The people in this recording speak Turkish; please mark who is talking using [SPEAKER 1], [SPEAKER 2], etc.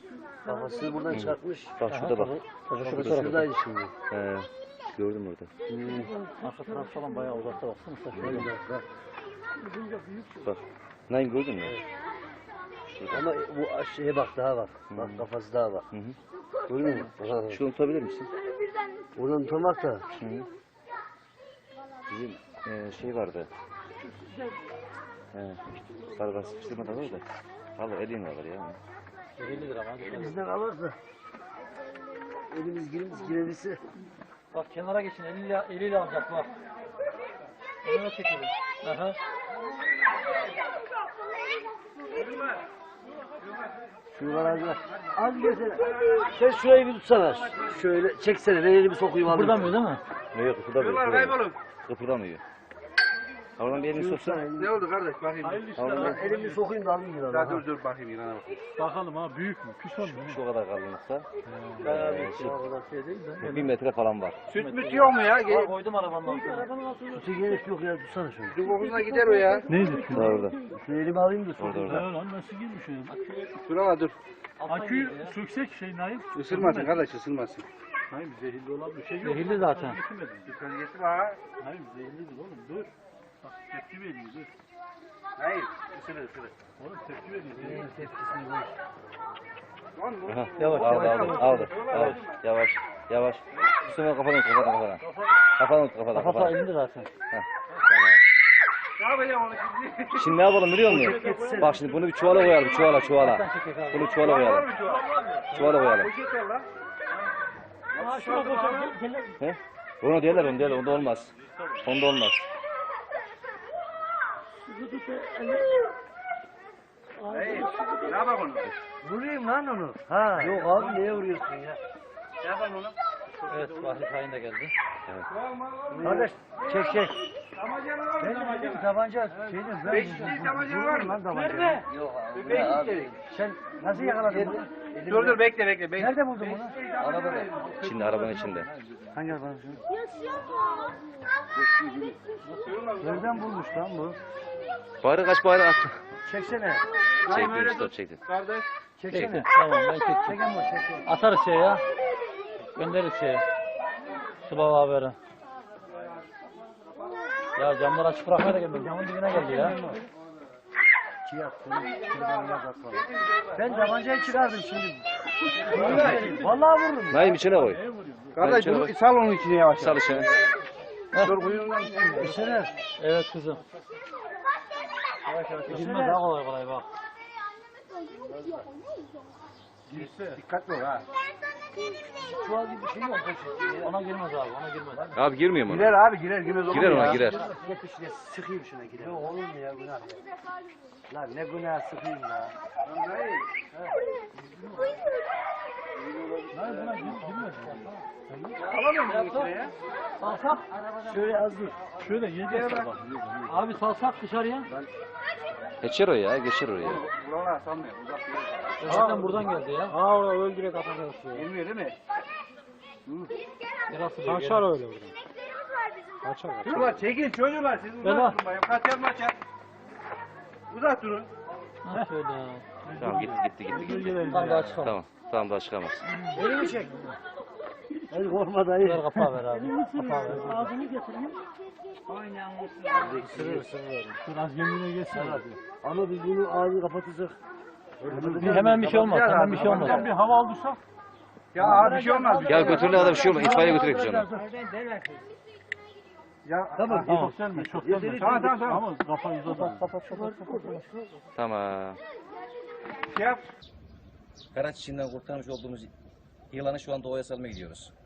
[SPEAKER 1] Kafasını buradan çıkartmış.
[SPEAKER 2] Bak şurada bak.
[SPEAKER 1] Şuradaydı şimdi.
[SPEAKER 2] Gördüm orada.
[SPEAKER 3] Arka taraf falan bayağı uzakta baksana. Şöyle.
[SPEAKER 2] Bak. Naim gördün mü?
[SPEAKER 1] Ama bu şeye bak daha bak. Bak kafası daha bak. Görüyor musun?
[SPEAKER 2] Şunu tutabilir misin?
[SPEAKER 1] Oradan tutamak da.
[SPEAKER 2] Bizim şey vardı. Barbar sıkıştırma da var da. Alır elin alır ya.
[SPEAKER 3] 50 lira var.
[SPEAKER 1] Elimizden alırsa. Elimiz girevisi.
[SPEAKER 3] Bak kenara geçin. Eliyle alacak bak. Önüne çekelim. Aha.
[SPEAKER 1] Şu garajlar. Az gelsene. Sen şurayı bir tutsana. Şöyle çeksene. Ben elimi sokayım alayım.
[SPEAKER 3] Kıpırdamıyor değil mi?
[SPEAKER 2] Yok kıpırdamıyor. Kıpırdamıyor. Oradan bir elini soksa.
[SPEAKER 4] Ne oldu kardeş bakayım.
[SPEAKER 1] Elimi sokayım da alayım yılanı.
[SPEAKER 4] Ya dur bakayım yılana bak.
[SPEAKER 3] Bakalım ha büyük mü? Küs olmuyor mu?
[SPEAKER 2] Şu kadar kalınlıkta.
[SPEAKER 3] Şey
[SPEAKER 2] 1 metre falan var.
[SPEAKER 4] Süt müt yok mu ya?
[SPEAKER 3] Aa, koydum arabanın altına.
[SPEAKER 1] Sütü gerek yok ya. Tutsana şunu.
[SPEAKER 4] Su kokusuna gider o ya.
[SPEAKER 3] Neydi?
[SPEAKER 2] Daha orada.
[SPEAKER 1] Şu elimi alayım da
[SPEAKER 2] Orada
[SPEAKER 1] sokayım.
[SPEAKER 2] orada.
[SPEAKER 3] Lan nasıl girmiş öyle?
[SPEAKER 4] Dur ama dur.
[SPEAKER 3] Aküyü söksek şey Naim.
[SPEAKER 4] Isırmasın kardeş ısırmasın.
[SPEAKER 3] Naim zehirli olan bir şey yok. Zehirli zaten.
[SPEAKER 4] Dikkat getir ha.
[SPEAKER 3] Naim zehirlidir oğlum dur. Bak tepki veriyor dur.
[SPEAKER 4] Hayır ısırır.
[SPEAKER 3] Oğlum tepki veriyor.
[SPEAKER 4] Lan bu.
[SPEAKER 2] Aha.
[SPEAKER 3] Yavaş,
[SPEAKER 2] Aldı. Yavaş. Yavaş. Üstüne kafana kafana. Kafana.
[SPEAKER 3] Elinde zaten.
[SPEAKER 4] Ne yapacağım onu şimdi?
[SPEAKER 2] Şimdi ne yapalım biliyor musun? Bak şimdi bunu bir çuvala koyalım. Çuvala. Bunu çuvala koyalım. Çuvala koyalım.
[SPEAKER 4] Poşet ver lan.
[SPEAKER 3] Aa şuna koyalım.
[SPEAKER 2] He? Onu derler. Onda olmaz. Onda olmaz.
[SPEAKER 4] Hayır. Ne yapalım onu?
[SPEAKER 1] Vurayım lan onu. Ha. Yok abi neye vuruyorsun ya?
[SPEAKER 4] Ne yapalım onu?
[SPEAKER 3] Evet Vahri Tayin de geldi.
[SPEAKER 1] Kardeş çek.
[SPEAKER 4] Damacana var mı
[SPEAKER 1] Ben
[SPEAKER 4] damacana?
[SPEAKER 1] dedim tabanca şeyde ben.
[SPEAKER 4] Beşli damacana var mı?
[SPEAKER 1] Nerede?
[SPEAKER 4] Yok abi. Beşli.
[SPEAKER 1] Sen nasıl yakaladın bunu?
[SPEAKER 4] Dur bekle.
[SPEAKER 1] Nerede buldun bunu?
[SPEAKER 4] Arabada.
[SPEAKER 2] Şimdi arabanın içinde.
[SPEAKER 1] Hangi arabanın? Nereden bulmuş lan bu?
[SPEAKER 2] Bari kaç bari attı.
[SPEAKER 1] Çeksene.
[SPEAKER 2] Çektim stop çektim.
[SPEAKER 4] Kardeş.
[SPEAKER 1] Çeksene.
[SPEAKER 3] Tamam ben çektim.
[SPEAKER 1] Çeken bu çekin.
[SPEAKER 3] Atarız şeye ya. Göndeririz şeye. Sıbav haberi. Ya camları açık bırakmaya da gelmedi. Camın dibine geldi ya.
[SPEAKER 1] Ben tabancayı çıkardım şimdi. Vallahi vururum.
[SPEAKER 2] Naim içine koy.
[SPEAKER 4] Kardeş
[SPEAKER 2] Naim
[SPEAKER 4] bunu
[SPEAKER 2] içine
[SPEAKER 4] sal onun içine yavaş.
[SPEAKER 2] Sal içine.
[SPEAKER 4] Dur kuyruğundan.
[SPEAKER 1] İçine.
[SPEAKER 3] Evet kızım. Girmez daha kolay bak.
[SPEAKER 4] Dikkatli ol ha.
[SPEAKER 1] Çuval gibi bir şey yok.
[SPEAKER 3] Ona girmez abi ona girmez.
[SPEAKER 2] Abi girmiyor mu?
[SPEAKER 4] Girer abi girer girmez olur
[SPEAKER 2] Girer
[SPEAKER 4] mu
[SPEAKER 2] ona
[SPEAKER 4] ya?
[SPEAKER 2] girer.
[SPEAKER 1] Getir şuraya sıkayım şuna gider. Yok olur mu ya günah ya. Lan ne günah sıkayım ya.
[SPEAKER 4] Alamıyor musun içine ya?
[SPEAKER 3] Salsak.
[SPEAKER 1] Şöyle az dur.
[SPEAKER 3] Şöyle yiyeceğiz bak. Abi salsak dışarıya.
[SPEAKER 2] Geçer o ya. Geçer oraya.
[SPEAKER 4] Buralar sanmıyor. Uzak bir
[SPEAKER 3] Zaten buradan geldi ya.
[SPEAKER 1] Ha orada öldürek atacağız.
[SPEAKER 4] Gelmiyor değil mi?
[SPEAKER 3] Neresi Kaçar öyle buradan.
[SPEAKER 4] Çocuklar çekin çocuklar siz
[SPEAKER 3] Bela.
[SPEAKER 4] uzak durun bayım. Kaçar maçar. Uzak durun.
[SPEAKER 3] Ha şöyle.
[SPEAKER 2] Tamam gitti.
[SPEAKER 3] Tam daha çıkalım.
[SPEAKER 2] Tamam daha çıkamaz.
[SPEAKER 1] Elimi çek. El korkma dayı.
[SPEAKER 3] Ver kapağı ver abi. Kapağı ver.
[SPEAKER 1] Ağzını getireyim.
[SPEAKER 3] Dur az kendine geçsin.
[SPEAKER 1] Ama biz bunu ağzını kapatacak.
[SPEAKER 3] Hemen bir şey olmaz. Hemen bir şey olmaz. Bir hava aldıysak.
[SPEAKER 4] Ya abi bir şey olmaz.
[SPEAKER 2] Gel götürün adam bir şey olmaz. İtfaiye götürek biz onu.
[SPEAKER 4] Ya
[SPEAKER 1] Tamam.
[SPEAKER 3] Çok gelme. Çok gelme.
[SPEAKER 4] Tamam.
[SPEAKER 3] Ama kafayı uzat. Kapat.
[SPEAKER 2] Tamam.
[SPEAKER 4] Şey yap.
[SPEAKER 2] Karaç içinden kurtarmış olduğumuz yılanı şu an doğaya salmaya gidiyoruz.